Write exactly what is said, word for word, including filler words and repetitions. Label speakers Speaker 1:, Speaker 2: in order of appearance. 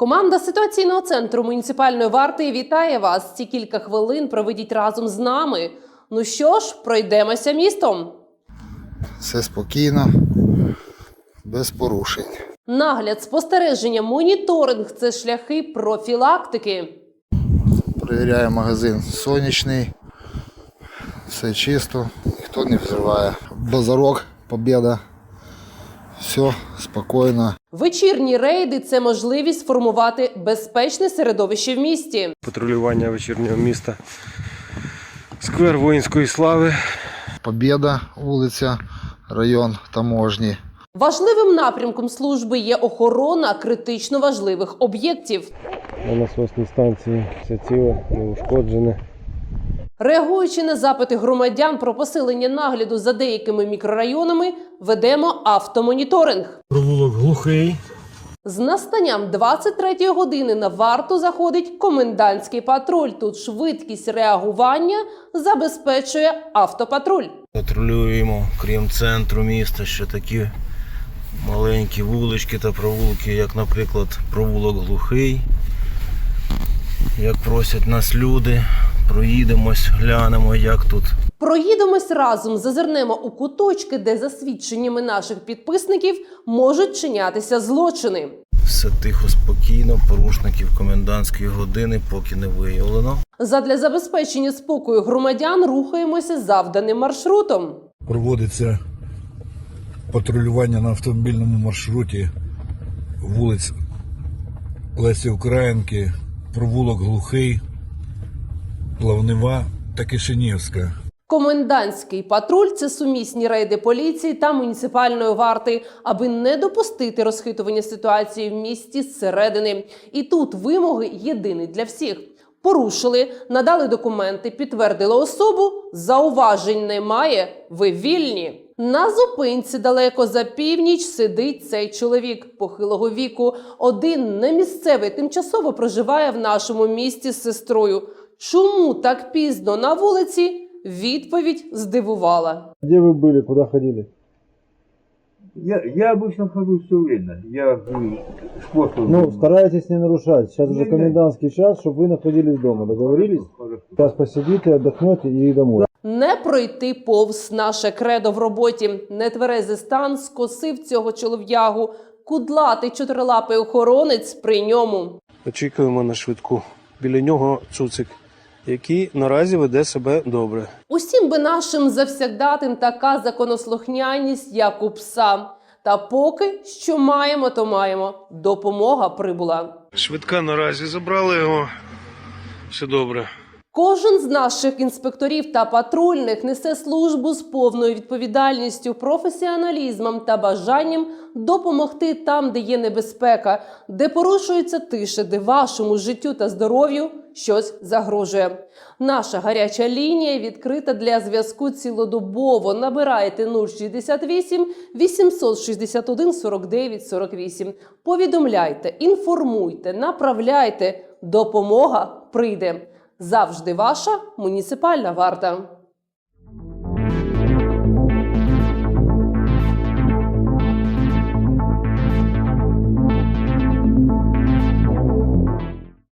Speaker 1: Команда ситуаційного центру муніципальної варти вітає вас. Ці кілька хвилин проведіть разом з нами. Ну що ж, пройдемося містом.
Speaker 2: Все спокійно, без порушень.
Speaker 1: Нагляд, спостереження, моніторинг – це шляхи профілактики.
Speaker 2: Перевіряю магазин сонячний, все чисто, ніхто не взриває. Базарок, Побєда, все спокійно.
Speaker 1: Вечірні рейди – це можливість формувати безпечне середовище в місті.
Speaker 3: Патрулювання вечірнього міста, сквер воїнської слави.
Speaker 2: Побєда, вулиця, район Таможні.
Speaker 1: Важливим напрямком служби є охорона критично важливих об'єктів.
Speaker 3: На насосній станції все ціле, неушкоджене.
Speaker 1: Реагуючи на запити громадян про посилення нагляду за деякими мікрорайонами, ведемо автомоніторинг.
Speaker 3: Провулок Глухий.
Speaker 1: З настанням двадцять третьої години на варту заходить комендантський патруль. Тут швидкість реагування забезпечує автопатруль.
Speaker 4: Патрулюємо, крім центру міста, ще такі маленькі вулички та провулки, як, наприклад, провулок Глухий. Як просять нас люди, проїдемось, глянемо, як тут.
Speaker 1: Проїдемось разом, зазирнемо у куточки, де за свідченнями наших підписників можуть чинятися злочини.
Speaker 4: Все тихо, спокійно, порушників комендантської години поки не виявлено.
Speaker 1: Задля забезпечення спокою громадян рухаємося завданим маршрутом.
Speaker 5: Проводиться патрулювання на автомобільному маршруті вулиць Лесі Українки, провулок Глухий, Плавнева та Кишинівська.
Speaker 1: Комендантський патруль – це сумісні рейди поліції та муніципальної варти, аби не допустити розхитування ситуації в місті зсередини. І тут вимоги єдині для всіх. Порушили, надали документи, підтвердили особу, зауважень немає, ви вільні. На зупинці далеко за північ сидить цей чоловік похилого віку. Один немісцевий тимчасово проживає в нашому місті з сестрою. Чому так пізно на вулиці? Відповідь здивувала.
Speaker 6: Где вы были, куда ходили?
Speaker 7: Я, я обычно хожу все время. Я м, спортом.
Speaker 6: Ну, старайтесь не нарушать. Сейчас уже
Speaker 7: Не, не.
Speaker 6: комендантский час, чтобы вы находились дома. Договорились?
Speaker 7: Хорошо.
Speaker 6: Сейчас посидите, отдохнете и домой.
Speaker 1: Не пройти повз наше кредо в роботі. Нетверезий стан скосив цього чолов'ягу. Кудлатий чотирилапий охоронець при ньому.
Speaker 3: Очікуємо на швидку. Біля нього цуцик, який наразі веде себе добре.
Speaker 1: Усім би нашим завсягдатим така законослухняність, як у пса. Та поки що маємо, то маємо. Допомога прибула.
Speaker 3: Швидка наразі забрали його. Все добре.
Speaker 1: Кожен з наших інспекторів та патрульних несе службу з повною відповідальністю, професіоналізмом та бажанням допомогти там, де є небезпека, де порушується тиша, де вашому життю та здоров'ю щось загрожує. Наша гаряча лінія відкрита для зв'язку цілодобово. Набирайте нуль шістдесят вісім вісімсот шістдесят один сорок дев'ять сорок вісім. Повідомляйте, інформуйте, направляйте. Допомога прийде. Завжди ваша муніципальна варта.